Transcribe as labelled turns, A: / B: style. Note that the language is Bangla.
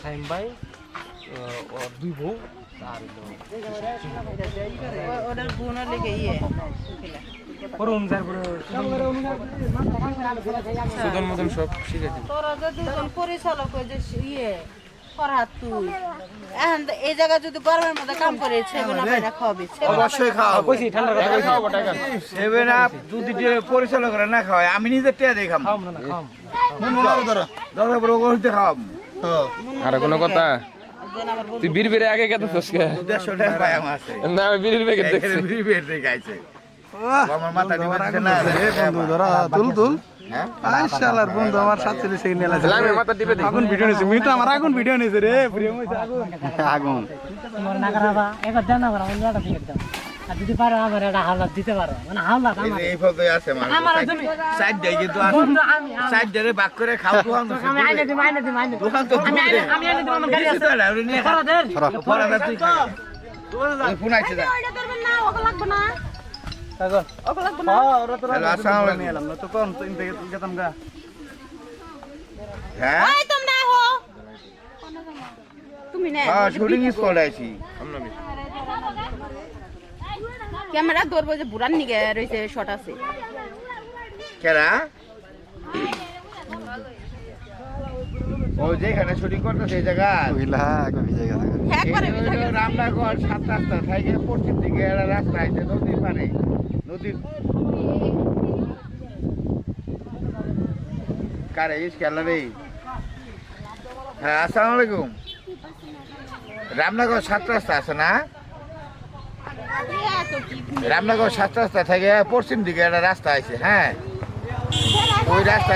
A: ফাহিম ভাই ওর দুই বউ আর
B: ওদের বোনের লেগে ইয়ে
A: করুন তারপরে সুদন মদন সব শিখে দিন
B: তোরা যে দুজন পরিচালক ওই যে ইয়ে ফরহাদ তুই এখন এই জায়গা যদি গরমের মধ্যে কাম করে সেগুলো না খাওয়াবি
C: অবশ্যই খাওয়াবো
A: কইছি ঠান্ডা কথা কইছি
C: সেভেন আপ যদি পরিচালকরা না খাওয়ায় আমি নিজে টিয়া দিয়ে খাম
A: খাম না খাম
C: দরকার পরে ওগুলোতে খাওয়াবো
D: আর কোনো কথা তুই বীর বেড়ে আগে কেন তোস কে
C: 150 টাকা পাই আমার আছে
D: না আমি বীরের প্যাকেট দেখছি
C: বিড়ি বের থেকে আইছে আমার মাথা দিবে না
E: বন্ধু ধরা তুল তুল
C: হ্যাঁ
E: আইশালার বন্ধু আমার 47 সেকেন্ড নেলা
D: লামে মাথা টিপে দে
E: আগুন ভিডিও নিছে মিটা আমার আগুন ভিডিও নিছে রে প্রিয় হইছে আগুন আগুন
F: তোমার না করাবা একবার জানা করা অন্য একটা টিকিট দাও আর যদি পারো আমার একটা হাওলাত দিতে পারো মানে হাওলাত
C: এই যে এই ফটো আছে আমার সাইড দেই কিন্তু সাইড ধরে বাক করে খাও দোকান তো
F: আমি আইনে দিম
C: দোকান তো
F: আমি আইনে দিম আমার গাড়ি আছে
C: ফরাদের তুই ফোন আইছে যা
B: ওইটা করবেন না ওকে লাগবে না
E: কাগজ
B: ওকে লাগবে না
E: হ্যাঁ ওরা তো
C: হ্যালো, আসসালামু আলাইকুম।
E: এলাম না তো কোন তো ইনতে গেতাম গা
C: হ্যাঁ
B: ওই তোমরা হো তুমি না
C: হ্যাঁ শুটিং স্পট আইছি
B: ক্যামেরা ধরবো যে বুড়ান নিগে রইছে শট আছে
C: কেরা ও যেখানে শুটিং করতেছে এই জায়গা
E: কইলা আগে ভিজে গেছে
B: হ্যাঁ করে বিভাগে
C: রামনগর 7 রাস্তা থেকে পশ্চিম দিকে একটা রাস্তা আছে নদীর পারে নদীর কারে ইস খেলা রে হ্যাঁ আসসালামু আলাইকুম রামনগর 7 রাস্তা আছে না রামনগর 7 রাস্তা থেকে পশ্চিম দিকে একটা রাস্তা আছে হ্যাঁ ওই রাস্তা